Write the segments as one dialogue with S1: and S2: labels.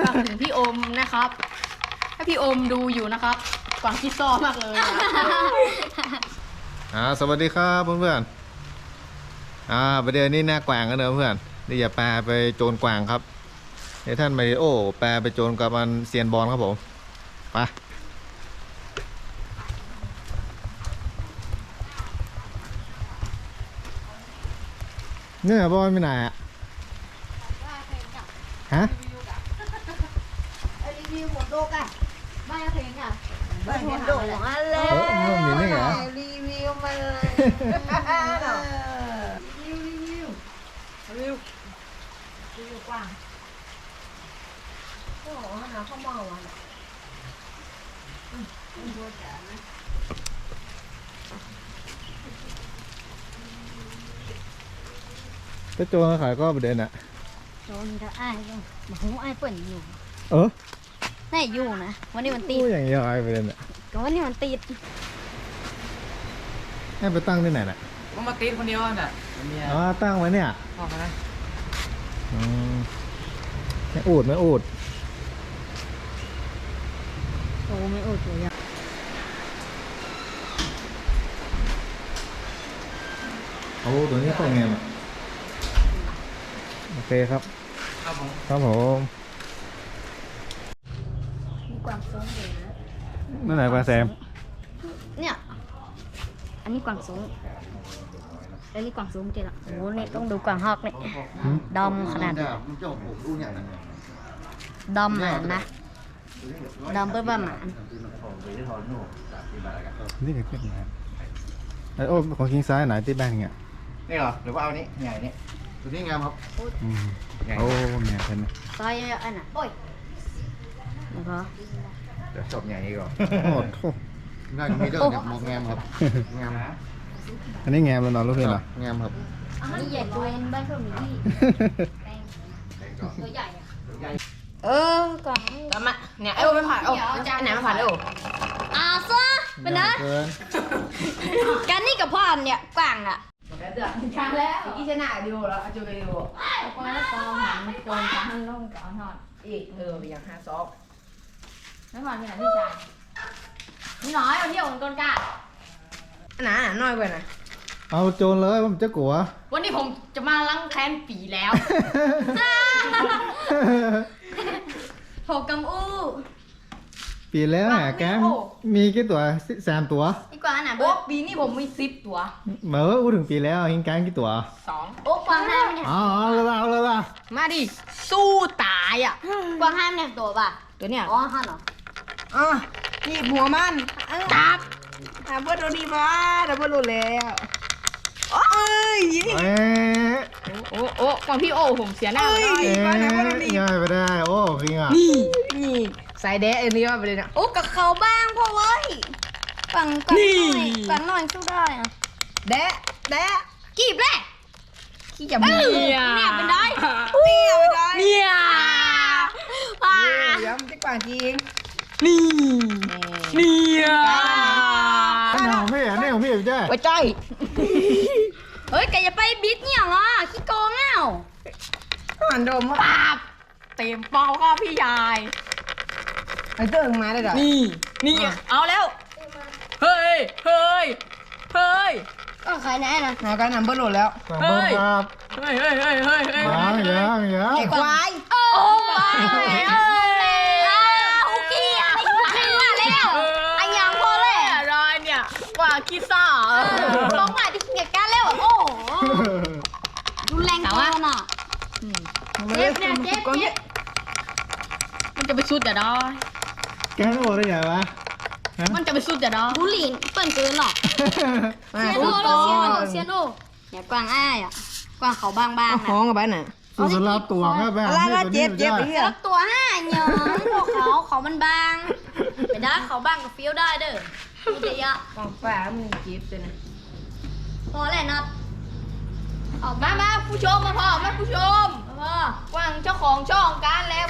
S1: ฝากถึงพี่โอมนะครับถ้าพี่โอมดูอยู่นะครับกวางขี้ซ้อมากเลย
S2: สวัสดีครับเพื่อนๆประเดี๋ยวนี้หน้ากวางกันเนอะเพื่อนนี่อย่าแปลไปโจรกวางครับเดี๋ยวท่านมาริโอแปลไปโจรกับมันเซียนบอลครับผมไปเนี่ยบอลไปไหนอะฮะ
S3: รีวิวหมดโลกอ่ะไม่เพลงอ่ะไม่หมดโลกอ่ะเล
S2: มันมีนี่เหรอ
S3: รีวิวมาเลยรีวิวกว้างโอ้โหหาข้าวเมาอ่ะ
S2: ถ้าโจรขายก็ประเด็นอะ
S3: โดนจะอ้ายก็บอกว่าอ้ายเปิดอยู่
S2: ไหน
S3: อยู่นะวันนี้มันติด
S2: อย่างนี้อะไรประเด็นอะ
S3: ก็วันนี้มันติด
S2: ให้ไปตั้งที่ไหนน่ะ
S4: ก็มาตีคนเดียวน่ะเมีย
S2: ตั้งไว้เนี่ย
S4: พ่อมา
S2: ไม่อูด
S3: โอ้ไม่โอ้ตัวใหญ่
S2: เอาตัวนี้ใส่ไงอะโอเคครับ
S4: ครับผม
S2: ครับผม
S3: มีกวางส้มเลยนะ
S2: นั่นไหนปลาแซม
S3: เนี่ยอันนี้กวางส้มอันนี้กวางส้มเจ๊ละโอ้เนี่ยต้องดูกวางฮอกเนี่ยดำขนาดดำหมานนะดำเปิ้ลบ้าหมาน
S2: นี่คือขึ้นมาไอโอ้ของคิงซ้ายไหนที่แบงเนี่ย
S4: นี่เหรอหรือว่าเอานี้ใหญ่นี่ตัวนี้งามครับ
S2: โอ้เนี่ยเป็น
S3: ซอยอันน่ะโอ้ยแล้วก็
S4: เดี๋ยวจบใหญ่นี้ก่อน
S2: โอ้โห
S4: น่าจะมีเด้อเนี่ยมองงามครับงามนะ
S2: อันนี้แงมแล้วนอนลูกเพื่อนเหรอง
S4: ามครับ
S3: อันนี้ใหญ่ตัวบ้านเพิ่มนี่ตัวใหญ่กวาง
S1: แล้วมาเนี่ยไอ้โอไม่ผ่านโอ้ไหนไม่ผ่านไอ้โอ
S3: ซะเป็นนะ
S2: เกิน
S3: กันนี่กับพ่อเนี่ยกวางอ่ะ
S1: เดือดช้างแล้วกี่ชนะดูแล้วจูกันดูคนละกองหันโจนช้างลงก่อนหอดอีกอย่าง52ไม่ผ่านที่ไหนพี่ชายนี่น้อยวันที่โอนก้นกล้าหนาน้อยกว่านะ
S2: เอาโจรเลยผมจะกลัว
S1: วันนี้ผมจะมาล้างแค้นปีแล้วโถกำอู้
S2: ปีแล้วแหะแกมีกี่ตัว3 ตัว
S3: อีกวางน่ะ
S1: โอ้ปีนี้ผมมี10 ตัว
S2: เหมื่ออู้ถึงปีแล้วยิงแกงกี่ตัว
S1: 2
S3: โอ้กวางห้ามเนี่ย
S2: เอาเลยว่ะ
S1: มาดิสู้ตายอ่ะ
S3: กวางห้ามเนี่ยตัวป่ะ
S1: ตัวเนี้ย
S3: อ๋อห้ามเหรอ
S1: นี่หัวมันจับเพื่อนโดนดีมาแต่เพื่อนรู้แล้วโอ้ย โอ้ก่อนพี่โอผมเสียหน้าเลย
S2: ง่ายไปได้โอ้คิงอ่ะ
S1: นี่สายแดะอันนี้ว่าไปเลยนะ
S3: โอ้กับเขาบ้างพ่อเว้ยกวางหน่อยสู้ได้อ่ะ
S1: แดะ
S3: กีบแหละ
S1: ขี้จะมีเนี่ยเป็นได้
S3: เนี่ยไปได้
S1: เนี่ย
S4: ย้ำที่กว่าจริง
S1: เนี่ย
S2: ของพี่อ่ะนี่ของพี่ใช่
S1: ไปใจ
S3: เฮ้ยแกอย่าไปบิดเนี่ยเหรอขี้โกงอ่ะ
S4: หันดม
S1: ปาบเต็มเป้าก็พี่ยาย
S4: ไอ้เติ้งมาได้เหรอ
S1: นี่เอาแล้วเฮ้ย
S3: ก็ขายไหนนะ
S4: หาการนำเบิ้ลโหลดแล้ว
S2: สั่งเบิ้ลครับ
S1: เฮ้ย
S2: ยัง
S4: ไอ้ควาย
S1: โอ้ย
S3: โอเคอ่ะขึ้นมาแล้วอันยังพอเลย
S1: รอยเนี่ยว่าคิดซ่า
S3: ลงมาที่เกียร์กันแล้วโอ้โหรุนแรงเกินอ่ะเจ็บเนี่ยเจ็บเจ็บ
S1: มันจะไปสุดแต่ดอ
S2: แกงโอ้ได้ไงวะ
S1: มันจะไปสุดแต่ดอ
S3: บุหรี่เปิ่นเกินหรอกเซียโน่เนี่ยกวางอ้ายอ่ะกวางเขาบางๆนะ
S4: ห้องกับบ้านน่ะ
S2: สุดสลับตัวแค่แบบ
S3: แล้วตัวห้าเหยิงพวกเขามันบางไปได้เขาบางกับฟิวได้เด้อมีแต่ยะ
S4: กองฟ้ามึงจีบเลยนะ
S3: พอแล้วนัด
S1: ออกมาผู้ชมมาพ่อแม่ผู้ชมกวางเจ้าของช่องการแล้ว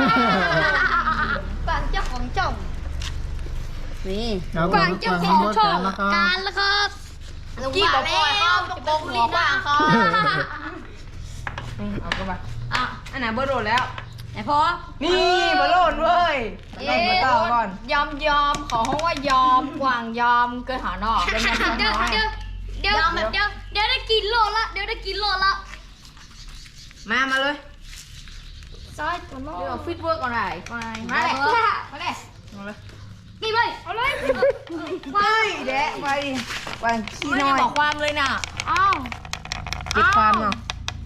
S3: กวางเจ้าของจ่องนี่กวางเจ้าของช่องการแล้วครับ
S1: กี่บอกพ่อเขาต้องโกงหัวกวางเขา
S4: เอาก็บ้า
S1: อ่ะ
S4: อันไหนเบิ้ลโหลดแล้ว
S3: ไหนพอ
S1: นี่
S4: บอลลูนเว้ยเล่นมาต่อก่อน
S1: ยอมขอห้องว่ายอมกวางยอมเกินหานอกเป็นยังไง
S3: เดี๋ยว
S1: น้อย
S3: เดี๋ยวได้กินโลละเดี๋ยวได้กินโลละ
S4: มาเลย
S3: ซ้ายตัวน้อ
S1: เดี๋ยวฟิตเวิร์กก่อนไหนมาเลยมาเลย
S3: นี่ไปเอาเลย
S4: ไปแดะไปวางขี้
S1: ไม่
S4: น้
S1: ได้
S4: อย
S1: บอกความเลยน่ะ
S3: อ้าว
S4: เก็บความเนาะ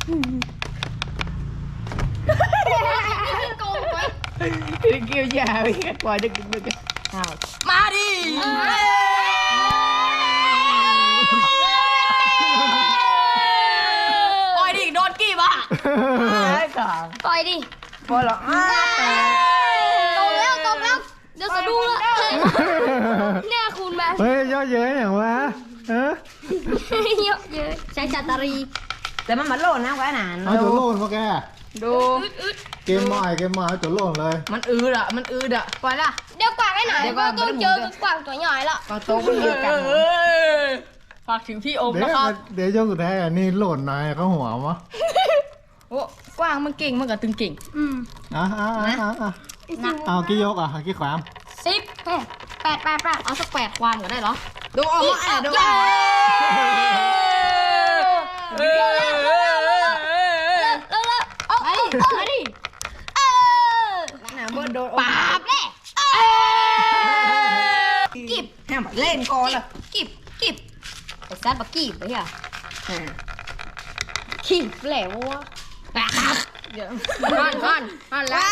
S3: โกงไป
S4: เกี่ยวยาไปกว่าจะกินไปกันอ้าว
S1: มาดิ ปล่อยดิโดนกี่บ้า
S4: ไอ้ก่อน
S3: ต่อยดิ
S4: พอหรอกแต่
S3: ตกแล้วเดี๋ยวสะดุ้งละเนี่ยคุณแม่
S2: เฮ้ยย่อเย้ยอย่างวะเออ
S3: เยอะเยอะใช้จัตรี
S4: แต่มันมาโลดนะกว่าหนาน
S2: เอาตัวโล่นมาแก
S4: ดู
S2: เกมใหม่เอาตัวโล่นเลย
S4: มันอืดอ่ะปล่อยละ
S3: เดี๋ยวกวางให้หน่อยต้องเจอกับกวางตัวใหญ่ละ
S4: ก็โตมันเดียวกัน
S1: ฝากถึงพี่อม
S2: เดี๋ยว
S1: นะครับ
S2: เดี๋ยวช่วงสุดท้ายอันนี้โหล่นหน่อยเขาหัวมั้
S1: โอ้กว้างมันเก่งมันกับตึงเก่ง
S2: เอากี่ยกเอากี่ความ
S3: 10 8
S1: เอาสัก8ความก็ได้เหรอ
S4: ดูออกมาดู
S3: เร็วเอามาดิ
S4: หนาเบิร์ดโดน
S3: ปาบแน่
S4: กิบแฮมเล่นก่อนละ
S3: กิบไอ้ซัดบักกีบไปอ่ะขีบแหลววะ
S1: ก่อนแล้ว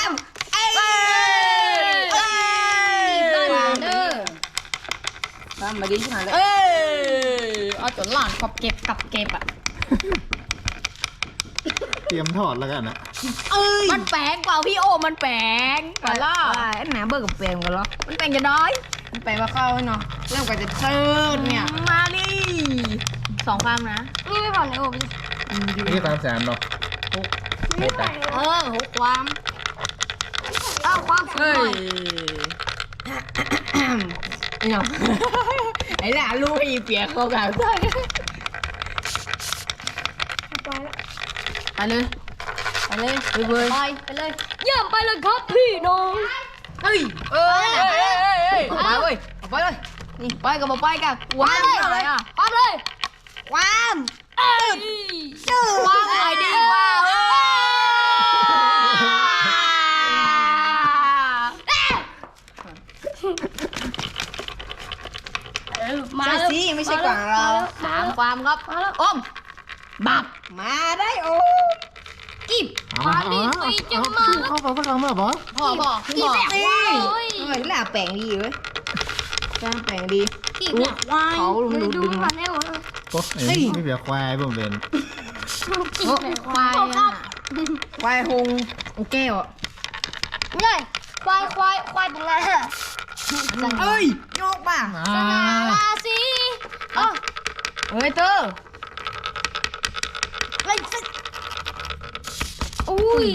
S3: เด้อ
S4: ตามมาดีขนาดเลย
S1: เอาจนหลานกับเก็บอ่ะ
S2: เตรียมถอดแล้วกันนะ
S1: มันแปลงเปล่าพี่โอมันแปลงปล่า
S4: ไอ้หนาเบิร์ดกับเปรมกันเหรอ
S1: มันแปลงจะน้อย
S4: มันไปมาเข้าเนาะเริ่มกันจะเชิดเนี่ย
S1: มาดิ2ความนะ
S3: นี่ไม่ผ่อนเลยโอ้ย
S2: นี่ตามแสนเนาะ
S1: 6ความ
S3: เอาความสุข
S1: เฮ้
S3: หน่อย
S1: ย
S4: เนาะไอ้หนาลูกอีเปียกเขากันใช่
S1: ไปเลยไปเลย
S3: ไปเลยเยี่ยมไปเลยครับพี่น้อง
S1: เฮ้ย
S4: มาเว้ยเอาไปเลย
S1: นี่ไปกับไปกับว้าวอะไรอ่ะ
S3: ความเลย
S4: ความ
S1: ว้าวอะไรดีว้าว
S3: มา
S4: ใช่สิไม่ใช่กว่างเรา
S1: 3ความครับอมบับ
S4: มาได้โอ้
S3: กิบ
S2: เอามาเข้าไปสักคำแบบบอส
S1: พ่อบอก
S3: กิบแบบว้าว
S4: ทำไมหน้าแปลงดีเว้ยหน้าแปลงดี
S3: กิบเนี่ยว้าว
S4: เขาลุมดู
S3: ดู
S4: ดึง
S3: มันได้หมด
S2: โอ้ยไม่เบียควายผมเป็น
S3: กิบเนี่ย
S1: ควายอ่ะ
S4: ควายหงแก้วอ่ะ
S3: เนี่ยควายบุงงา
S4: เอ้ยโยกป่ะ
S3: สนาราศีอ๋อ
S4: เฮ้ยเตอร์
S3: เล่นสิอุ้ย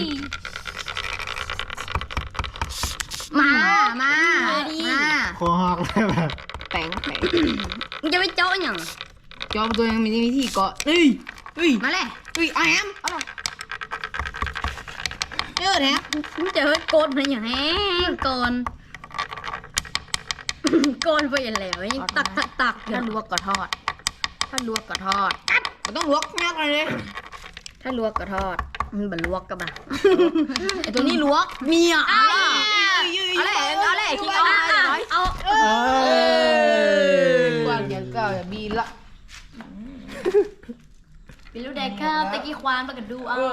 S3: มา
S2: คอหักเลยแบบ
S4: แปลง
S3: มึงจะไปเจาะยัง
S4: จอมตัวยังมีวิธีเกาะเอ้ย
S1: มาเลย
S4: แอมเจอแท้
S3: มึงเจอโกนไปอย่างแห้งโกนไปอย่างแล้วตัก
S1: ถ้าลวกก็ทอด
S4: มันต้องลวกมากเลย
S1: ถ้าลวกก็ทอด
S3: มันบรรลวกกับอ่ะ
S1: ไอตัวนี้ลวกเมียเอาเลยคิงเอาเอา
S4: กว่างอย่างเก่าอย่าบีละ
S3: เป็นลูกแดกข้าวตะกี้ควานมากันดูเอา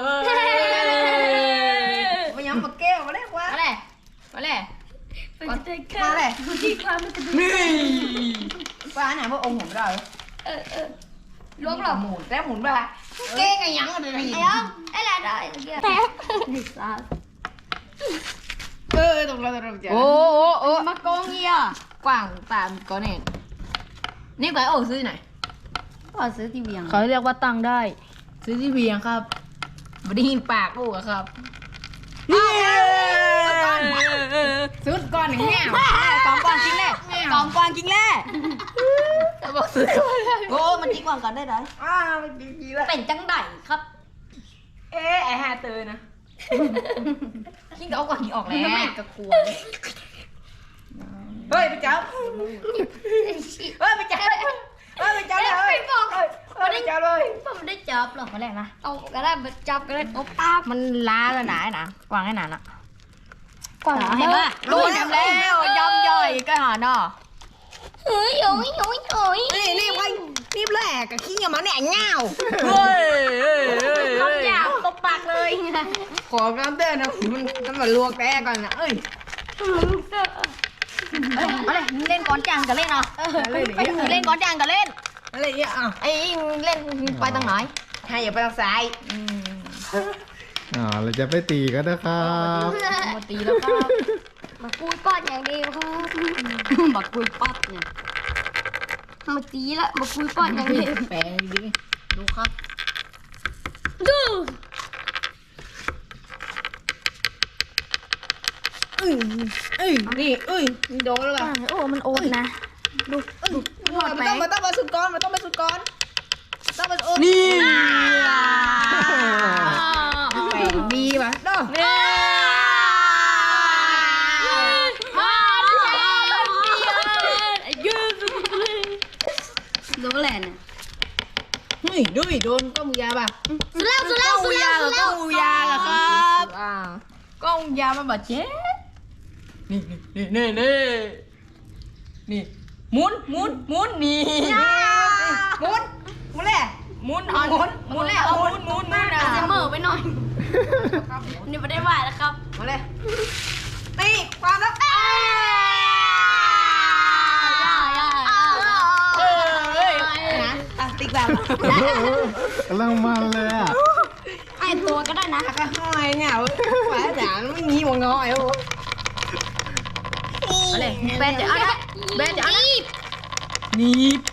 S4: มาย้ำมาแก้วมาได้กว่า
S1: มาเลยมาเลย
S3: เป็นลูกแดกข้าวตะกี้ควานมากันดู
S4: ป้าเนี่ยพวกองค์ผมได้
S3: ลวกหรอ
S4: หมุนแล้วหมุนไปเก้งไงยังอะไร
S3: ไอ้อ้อมไอ้แหละได้แตกดิซ่า
S4: ตรงเราจะ
S1: โอ้มากงเงียกว่างตามก่อนเนี่ยนี่ไปโอ้ซื้อไหน
S3: ก็ซื้อที่เวียง
S1: เขาเรียกว่าตังได้ ซื้อที่เวียงครับบไดีปากปูกครับ
S4: สุดก่อนอย่างเงี้ย
S1: กองกวางกินแล่กองกวางกินแล่บอกซื้อโอ้มันจีกวางกันได้ไหม
S4: มันดีแล้ว
S3: เป็นจังไดครับ
S1: ไอฮาเตอร์นะขี้ก็เอาก่อนขี้ออกแล้ว
S3: ไม่กระกลัว
S1: เฮ้ยไปจับเฮ้ยไปจับเลยเฮ้ยไปจับเลยเฮ้ยไปจับเลย
S3: ผมได้จับหรอก
S1: มาแรกนะ
S3: เอาก็ได้จับก็ได้โอ้ป้า
S1: มันล้าแล้วหนานะกวางให้หนานะ
S3: กว่าง
S1: เห็นปะรู้ทำแล้วยำย่อยก็หาเนาะ
S3: เฮ้ยโอ้ยโอ้ยโอ้ย
S4: รีบไปรีบแหลกกับขี้อย่ามาเนี่ยเงา
S1: เฮ้ย
S3: คำหยาบตบปากเลย
S4: ขอน้ำเตือนนะมันมาลวกแป้ก่อนนะเอ้ย
S1: มาเลยเล่นก้อนจังกับเล่นเนาะเล่นก้อนจังกับเล่น
S4: อะไรเนี่ยอ่ะ
S1: ไอ้เล่นไปทางไหน
S4: ให้อย่าไปทางซ้าย
S2: เราจะไปตีกันนะครับ
S1: มาตีแล้วครับ
S3: มาคุยป้อนอย่างเดียวครับมาคุยปั๊บเนี่ยมาตีละมาคุยป้อนอย่างเดียว
S1: แปลงดีดูครับ
S3: ดู
S4: นี่โดนแล้วป่ะ
S3: โอ้มันโอดนะ
S4: มันต้องมาสุดก้อนมันต้องมาสุดก้อนต้องมาโอ้
S1: นี่
S4: แปลงดีป่ะเนาะ
S3: โดนแหลน
S4: เฮ้ยดูโดนก้มยาป่ะ
S3: สุดแล้วสุดแล้วสุดแล้วสุดแล้ว
S1: ก้องยาเหรอครับก้องยามาบาดเจ็บนี่หมุนนี่หมุนแหละหมุนแล้วเอาหมุน
S3: อาจจะเหม่อไปหน่อยนี่ไม่ได้ไหวแล้วครับ
S4: มาเลยตีความแล้ว นะติ๊กแบบ
S2: กำลังมันเลยอ่ะ
S3: ไอตัวก็ได้นะ
S4: ก็ห้อยเงาแฝดจ๋าไม่มีหัวงอไอ้โอ้
S1: อะไรแบนจะเอานะแบนจะเอานะ
S3: นี่
S1: นีบ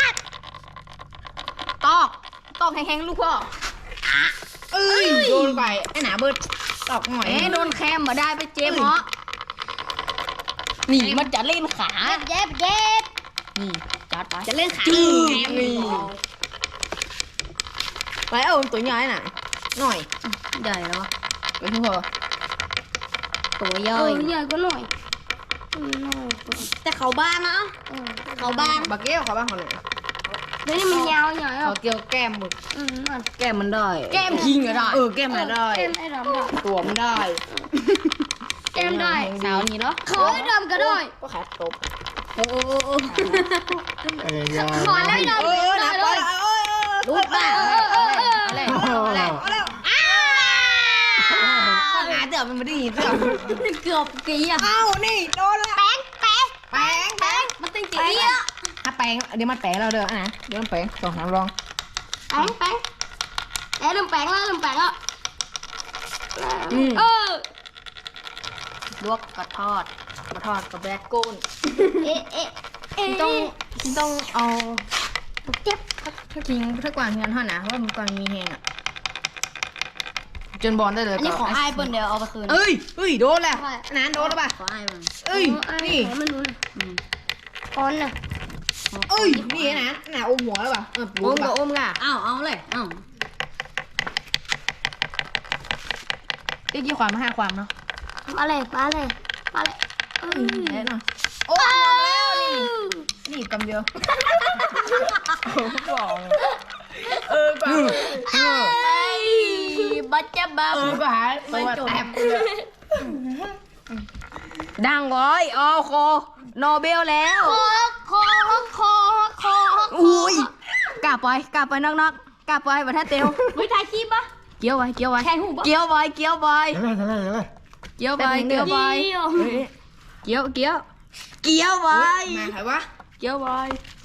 S1: ตอกแห้งๆลูกพ่อ
S4: เอ้ยโดนไปไอ้หนาเบิดตอกหน่อย
S1: โดนแคมมาได้ไปเจ็บเหรอนี่มันจะเล่นขา
S3: เย็บ
S1: นี่จัดไป
S3: จะเล่นขา
S1: นี่
S4: ไปเอาตัวใหญ่หน่อยหน่อย
S3: ใหญ่แล้ว
S4: ไปทุกคน
S3: ตัวใหญ่ใหญ่ก็หน่อยแต่เขาบ้านนะเขาบ้าน
S4: บาเกี้ยวเขาบ้างเขาหน่อย
S3: เดี๋ยวนี้มันยาวใหญ่
S4: เขาเกี่ยวแก้มหมึก
S3: มัน
S4: แก้มมันได้
S1: แก้มคิงก็ได้
S4: แก้มมันได้
S3: เต็มไอ้ดำได้
S4: ตัวมันได้
S3: เต็มได้
S1: สาวนี่เนาะ
S3: ขอไอ้ดำก็ได้
S4: ก็ขาตบ
S3: ขอแล้วไอ้ดำ
S4: นะ
S3: ได้
S4: ไป
S3: เลย
S4: รูดป่ะ
S1: อะไร
S4: เอาแล้วข้างหน้าเดี๋ยวมันไม่ได้ยินเดี๋ยว
S3: เกือบกี่อ่ะ
S4: เอ้านี่โดนละแป้ง
S3: มันติงจีอ่ะ
S4: ถ้าแป้งเดี๋ยวมันแป้งเราเด้อนะเดี๋ยวมันแป้งสองน้ำรอง
S3: แป้งแล้วลืมแป้งแล้ว
S1: ลวกกระทอดกับแบล็กโก้น ต้องเอา
S3: เจ็บ
S1: ถ้ากวางเงินเท่านะว่ามันกวางมีแหงอ่ะจนบอลได้เลย
S3: อันนี้ของไอ้เปิ้ลเดี๋ยวเอาไปคืน
S4: เอ้ยโดนแล้วนานโดนแล้วป่ะ
S3: ขอไอ้มัน
S4: เอ้ยนี่
S3: มันรู้ก้อนน่ะ
S4: เอ้ยนี่นะน่ะอมหัวแล้วป่ะ
S1: อม
S4: ปู
S1: กับอมก่ะ
S3: เอาเลยเอา
S1: กี่ความมา5ความเนาะ
S3: มาเลย
S1: แน่นอน
S4: โอ้แล้วนี่กำเดียวบอก
S3: บัจจะบ้า
S4: ก็หาตัวแตบเลย
S1: ดังร้อยออโคโนเบลแล้ว
S3: คอ
S1: อุ้ยกลับไปนอกกลับไปประเทศเตียว
S3: ไม่ถ่ายคลิปปะ
S1: เกี่ยวไว้
S3: แทงหูปะ
S1: เกี่ยวไว้
S2: เดี๋ยว
S1: เกี่ยวไว้เกี่ยวไว้
S4: มาใครวะ
S1: เกี่ยวไว้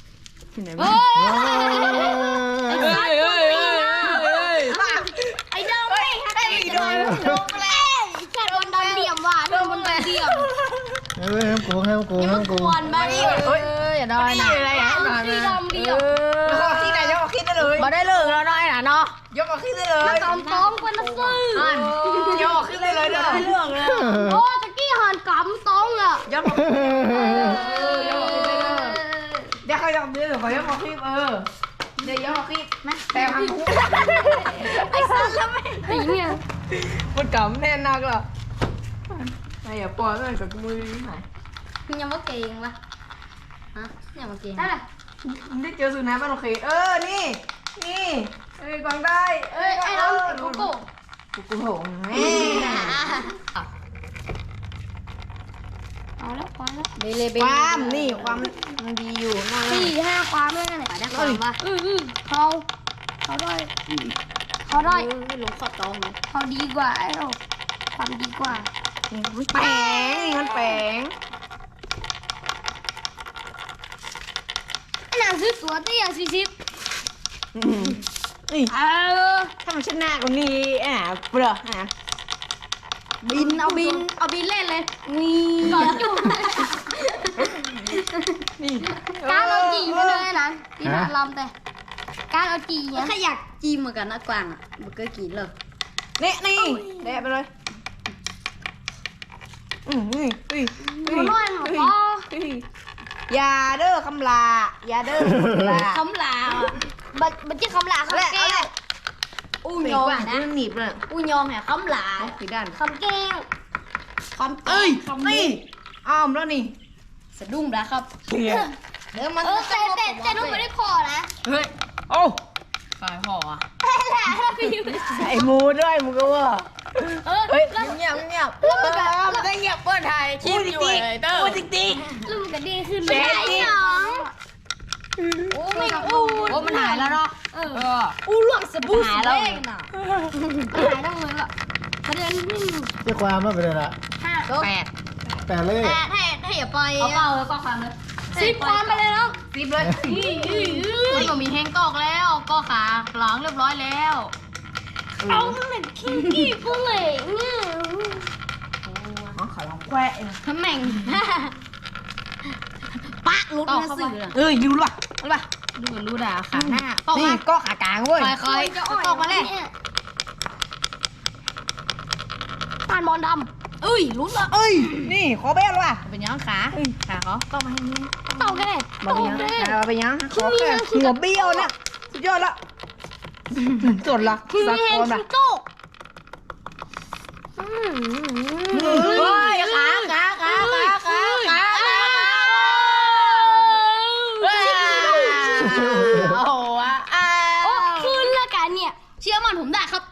S3: ไอ้ดำไม่ไอ้โดนแค่โดนเดี่ยมว่ะโดนเดี่ยม
S2: ให้มันโกง
S3: ควรมาดิ
S1: อย่าได้นะ
S3: ที่ดำเดี่ยม
S4: แล้วก็ขี้ไหนยกออกขี้ได้เลย
S1: มาได้เลิกแล้วน้อยนะเนาะ
S4: ยกออกขี้ได้เลย
S3: กำต้องเป็นนักซื้อย
S4: กออกขี้ได้เลยเด้อ
S1: เรื่องเลย
S3: โอ้ตะกี้หันกำต้องอ่ะ
S4: ยกออกเดี๋ยวเขายกเดี๋ยวเขายกออกขี้เดี๋ยวยกออกขี้แต่ทำคู่
S3: ไอ้สัตว์แล้วไม่ไอ้เนี่ย
S1: มันกำแน่นนักเหรอไอ้อย่าปล่อยมันกับมือไหน
S3: ยังว่าเก่งวะฮะยังว่าเก่ง
S1: ได้เจอสุนัขบ้านโอเคนี่กวางได้
S3: เอ้ยไอ้น้องโกโก้
S1: กูโหงแม่
S3: เอาแล้วความแล้ว
S1: ความนี่ความมันดีอยู่นอน
S3: 4-5ความแล้วนั่นแหละได้ความวะเขาได้ลงขอตองเขาดีกว่าไอ้เราความดีกว่า
S1: แปลงมันแปลง
S3: ไอ้หนังซื้อตัวเตี้ย40
S1: ถ้ามันชนะกว่านี้เปลือก
S3: เอาบินเล่นเลยก่อนจุ่มการเอาจีมาเลยนะที่น่าลำแต่การเอาจีเนี่ยถ้าอยากจีเหมือนกันนะกวางอ่ะมันก็กินเลย
S1: นี่แดะไปเลย
S3: มันน้อยหรอพ่อ
S1: อย่าเด้อคำลาอย่าเด้อคำลา
S3: มันจะคำลาคำแก้วอู้ยองนะ
S1: หนีบเลย
S3: อู้ยองเนี่ยคำลา
S1: สีด้าน
S3: คำแก้วคำ
S1: นี่อ้อมแล้วนี่
S3: สะดุ้งแล้วครับเดี๋ยวมันแต่นุ่มไม่ได้คอนะ
S1: เฮ้ยโอ้ขายห่อไอ้มูด้วยมูก็ว่าเฮ้ยเงียบมันได้เงียบเปิดไทยคิดอยู่เลยเตอร์พูดจริง
S3: ลูกก็ดีขึ้นไม่ได้น้องโอ้ไม่อู้
S1: โอ้มันหายแล้วเนาะ
S3: อู้หลวงสบู่หายแล้วน่ะหายทั้งเลยละประเด็นที่
S2: เจ้าความว่าไปเลยละ
S1: 8
S2: แต่เลย
S3: ถ้าอย่าปล่อย
S1: เอาเปล่าเลยก็ความเลย
S3: 10 ความไปเลยน้อง
S1: 10เลย
S5: มันก็มีแห้งกอกแล้วก็ขาหลังเรียบร้อยแล้ว
S3: เอามันเหม็นขี้กี้กูเลยเนี่ย
S1: ขอลองแควะ
S3: ทำแม่งปะลุดมาสื่อ
S1: ดูป่ะรู้ป่ะ
S5: รู้ด่าขาหน้าตอก
S1: นี่
S5: มา
S1: ก็ขากลางเว้ย
S5: คอยตอกมาเลย
S3: ผ่านบอลด
S5: เอ้ยลุ้นละ
S1: เอ้ยนี่ขอแบ้ว่ะ
S5: เป็นยังขาเขาตอกมาให้นี่
S3: ำเต่าแค่
S1: มาเป็นยังมาเป็นยังขอแค่หัวเบี้ยวเนี่ยสุดยอดละจดละสัก
S3: แห้ง
S1: คนละ
S3: โต๊ะ
S1: เฮ้ยขา
S5: โอ้โหอ่ะ
S3: โอ้คืนละกันเนี่ยเชื่อมันผมได้ครับ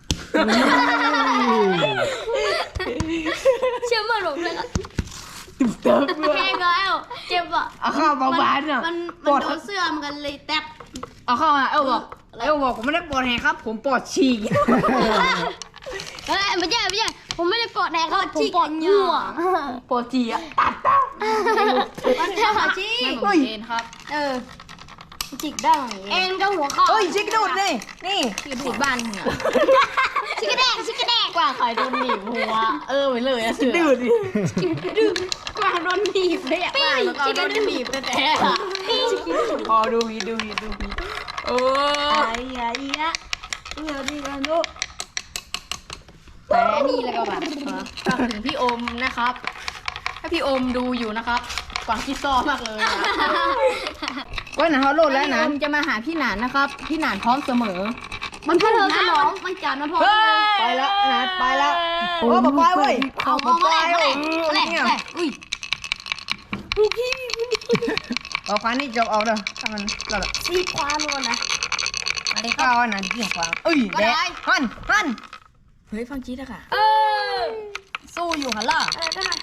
S3: เชื่อมันผมเลยครับแห้งแล้วเจ็บอ่ะ
S1: เอาเข้าเบาบานอ่ะ
S3: มันโดนเสื้อมันกันเลยแตบ
S1: เอาเข้ามาบอกผมไม่ได้ปวดแหงครับผมปวดฉี่
S3: เฮ้ยไม่ใช่ผมไม่ได้ปอดแดงครับผมปอดหัว
S1: ปวดฉี่อ่ะตัด
S3: มันจะหัวจี้
S5: เอ็นครับ
S3: จิกได้เอ็นก็หัวเข่า
S1: เฮ้ยชิคดูดนี่
S5: คือดูดบ้านเนี่ย
S3: ชิกกระแดก
S5: กว่าใครโดนหนีบหัวไปเลยอะเสือ
S1: ดูดดิ
S3: กวางโดนหนีบเลยอ่ะ
S5: แล้วก็โดนหนีบแต่
S1: พอดูวีโอ้
S5: แต่นี่แล้วก็แบบฝากถึงพี่โอมนะครับถ้าพี่โอมดูอยู่นะครับกวางคิดซ้อมากเลย
S1: ก้อยหนาเขาโหลดแล้วนะ
S5: พี่โอมจะมาหาพี่หนานนะครับพี่หนานพร้อมเสมอ
S3: มันเพิ่มสมองมันจัดมันพอ
S1: ไปแล้วนะไปแล้วโอ้บอกไปเว้ย
S3: เอามองมาแหละอุ้ย
S1: เอาควานนี่จบเอาเด้อถ้ามันเราแบบ
S3: ซีความมันนะ
S1: อะไรก็เอาหนังที่ควานแดกหัน
S5: เฮ้ยฟังจี๊ดอะค่ะ
S3: สู้อยู่หันล่ะ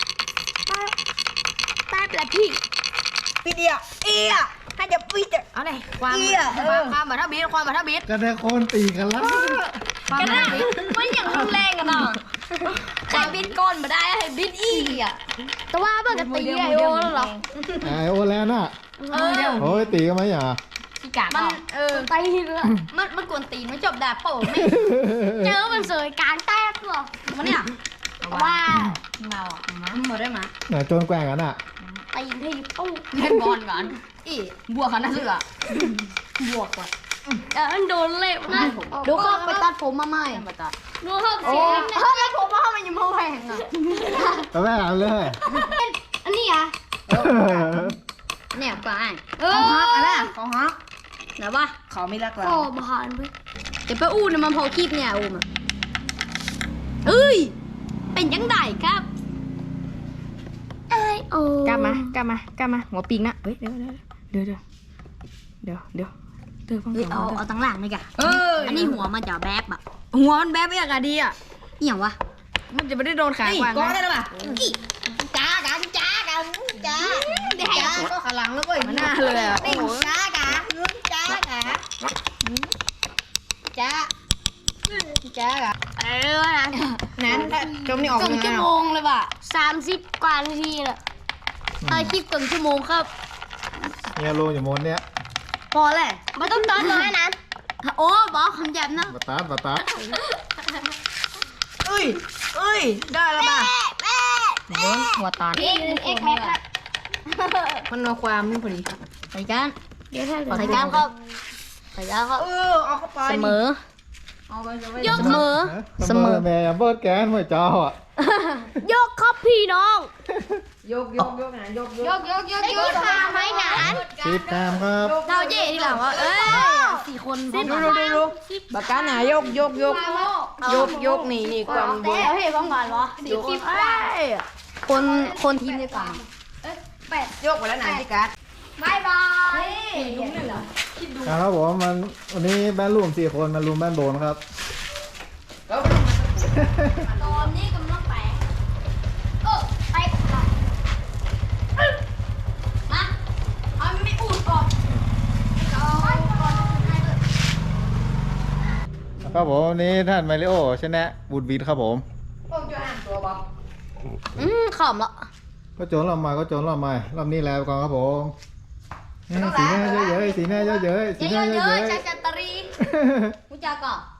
S3: แป๊บละพี่
S1: ปีเดียวให้จะปีจะ
S5: เอาเลยความบัตรบิดความบัตรบิด
S2: กันได้คนตีกันแล้ว
S5: ความบัตรบิด
S3: มันอย่างรุนแรงกันเนาะใครบิดก้นมาได้ให้บิดอีอ่ะแต่ว่าเบิกตีไอโอแล้วหรอ
S2: ไอโอแล้วน่ะโอ้ยตีกันไหมอย่า
S5: พี่กา
S3: มันตีเลยมันกวนตีนมันจบด่าโป่งไม่เจอมันสวยกลางแต้หรอมันเนี่ยว่า
S5: เมาอ่ะมาได้มา
S2: ไหนโจนแกว่งกันอ่ะ
S3: ตีนที่ตู้
S5: เล่นบอลก่อนบวกกันนะเสือบวกว่ะ
S3: มันโดนเละนะดูเขาไปตัดผมมาใหม่
S5: มาตัด
S3: ดูเขาเสียแล้วผมว่ามันยังมาแหวงอ่ะ
S2: ก็แม่เอาเลย
S3: อันนี้อ่ะเนี่ยปลา
S1: ของฮักอะไรของฮัก
S3: ไหนวะ
S1: เขาไม่รักเรา
S3: โอ้บานไปเดี๋ยวไปอู้เนี่ยมันพอคีบเนี่ยอู้มาเอ้ยเป็นยังไงครับไอโอก
S5: ล้ามากล้ามาหัวปิงนะเฮ้ยเดี๋ยวฟัง
S3: เฮ้ย
S5: เสียง
S3: เอาตั้งหลังเลยกะ อันนี้หัวมันจะแบ๊บอะ
S5: หัวมันแบบไม่อยากดีอ่ะ
S3: เอี่ยววะ
S5: มันจะไม่ได้โดนขากวาง
S4: ก้อนได้
S5: นะ
S4: หรือเปล่าจ้ากันจ้ากันจ้าจ้าก็ขลังแล้วก็
S5: มันหน้าเลยอ่ะ
S4: นี่จ้ากันจ้ากันจ้าจ้ากัน นั้นจมนี่ออก
S3: ครึ่งชั่วโมงเลยว่ะ30 กว่านาทีเลยคลิปครึ่งชั่วโมงครับ
S2: เนี่ยโลอยู่บนเนี้ย
S3: พอเลยไม่ต้องตอนเลยนะโอ้บอกคำหยาบนะ
S2: บาตา
S4: เอ้ยได้แล้วป่ะ
S5: โดนหัวตาล
S3: เอ็กแม็กครับ
S5: มันเอาความนี่พอดี
S3: ใส่กันใส่กันครับใส่กันครับ
S4: เอาเข้าไป
S5: เสมอ
S3: ยก
S5: เสมอ
S2: เสมอแม่เบิร์ดแกนหัวจออ่ะ
S3: ยกครับพี่น้อง
S4: ยกนะยก
S3: ได้กี่ขาไหมหนาน
S2: 10 ตามครับ
S3: เราเย่ที่หลังว่า4 คน
S4: ดูบักกาหนายกนี่ความบน
S3: เอาให้ฟังก่อนวะคนทีมเดียวกัน
S4: ยกไปแล้วไหนพี่กัด
S3: บายบาย
S2: ครับผมวันนี้แบนรูม4 คนมารูมแบนโบนครับ
S3: ตอนนี้กำลังไปไปมาเอาไม่อูดก่อน
S2: ครับผมวันนี้ท่านมาริโอชนะบูดบีทครับผม
S3: ขำละ
S2: ก็โจนรอบใหม่รอบนี้แล้วก่อนครับผมสีหน้าเยอะๆสีหน้าเยอะๆสีหน้าเยอะ
S3: ชัดตรีมุจาก่อน